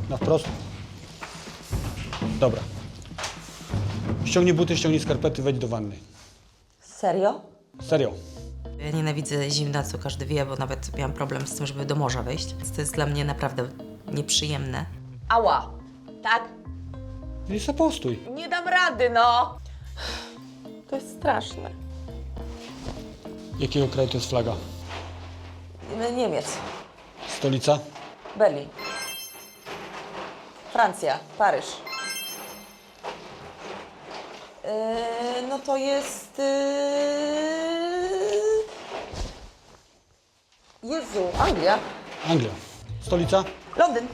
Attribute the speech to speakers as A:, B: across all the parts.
A: Na wprost. Dobra. Ściągnij buty, ściągnij skarpety, wejdź do wanny.
B: Serio?
A: Serio.
B: Ja nienawidzę zimna, co każdy wie, bo nawet miałam problem z tym, żeby do morza wejść. Więc to jest dla mnie naprawdę nieprzyjemne.
C: Ała, tak?
A: I se postój.
C: Nie dam rady, no!
D: To jest straszne.
A: Jakiego kraju to jest flaga?
B: Niemiec.
A: Stolica?
B: Berlin. Francja. Paryż. No to jest... Jezu, Anglia.
A: Anglia. Stolica?
B: Londyn.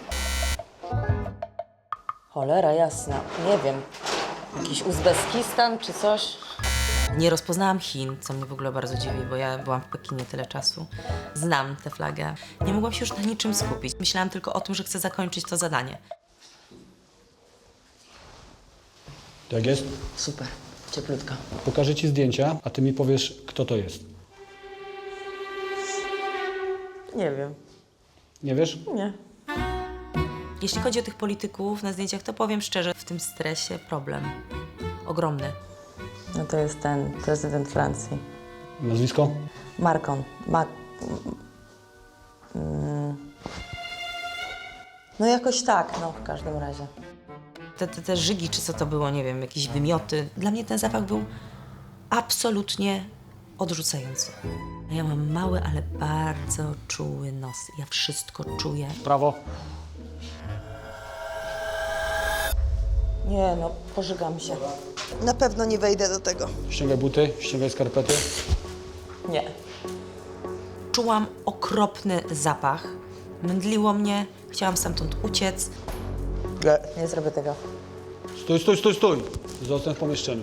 B: Cholera jasna, nie wiem. Jakiś Uzbekistan czy coś? Nie rozpoznałam Chin, co mnie w ogóle bardzo dziwi, bo ja byłam w Pekinie tyle czasu. Znam tę flagę. Nie mogłam się już na niczym skupić. Myślałam tylko o tym, że chcę zakończyć to zadanie.
A: To jak jest?
B: Super, cieplutka.
A: Pokażę ci zdjęcia, a ty mi powiesz, kto to jest.
B: Nie wiem.
A: Nie wiesz?
B: Nie. Jeśli chodzi o tych polityków na zdjęciach, to powiem szczerze, w tym stresie problem. Ogromny.
E: No to jest ten prezydent Francji.
A: Nazwisko?
E: Macron. No jakoś tak, no w każdym razie.
B: Te żygi, czy co to było, nie wiem, jakieś wymioty. Dla mnie ten zapach był absolutnie odrzucający. Ja mam mały, ale bardzo czuły nos. Ja wszystko czuję.
A: Prawo.
E: Nie no, pożygam się.
F: Na pewno nie wejdę do tego.
A: Ściągaj buty, ściągaj skarpety.
E: Nie.
B: Czułam okropny zapach. Mdliło mnie, chciałam stamtąd uciec.
E: Nie zrobię tego.
A: Stój, stój, stój, stój! Zostań w pomieszczeniu.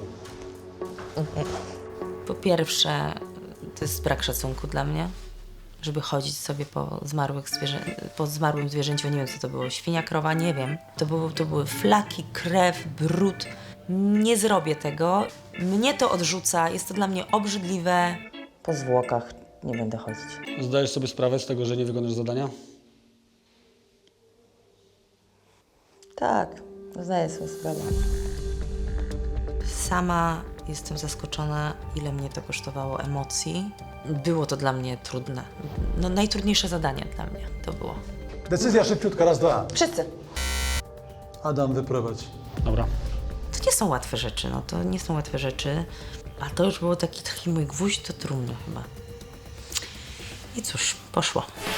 B: Po pierwsze, to jest brak szacunku dla mnie, żeby chodzić sobie po zmarłym zwierzęciu. Nie wiem, co to było, świnia, krowa, nie wiem. To były flaki, krew, brud. Nie zrobię tego. Mnie to odrzuca, jest to dla mnie obrzydliwe.
E: Po zwłokach nie będę chodzić.
A: Zdajesz sobie sprawę z tego, że nie wykonasz zadania?
E: Tak, zdaję sobie sprawę.
B: Sama jestem zaskoczona, ile mnie to kosztowało emocji. Było to dla mnie trudne. No, najtrudniejsze zadanie dla mnie to było.
G: Decyzja szybciutka, raz, dwa.
B: Wszyscy.
G: Adam, wyprowadź.
A: Dobra.
B: To nie są łatwe rzeczy, no to nie są łatwe rzeczy. A to już było taki mój gwóźdź do trumny chyba. I cóż, poszło.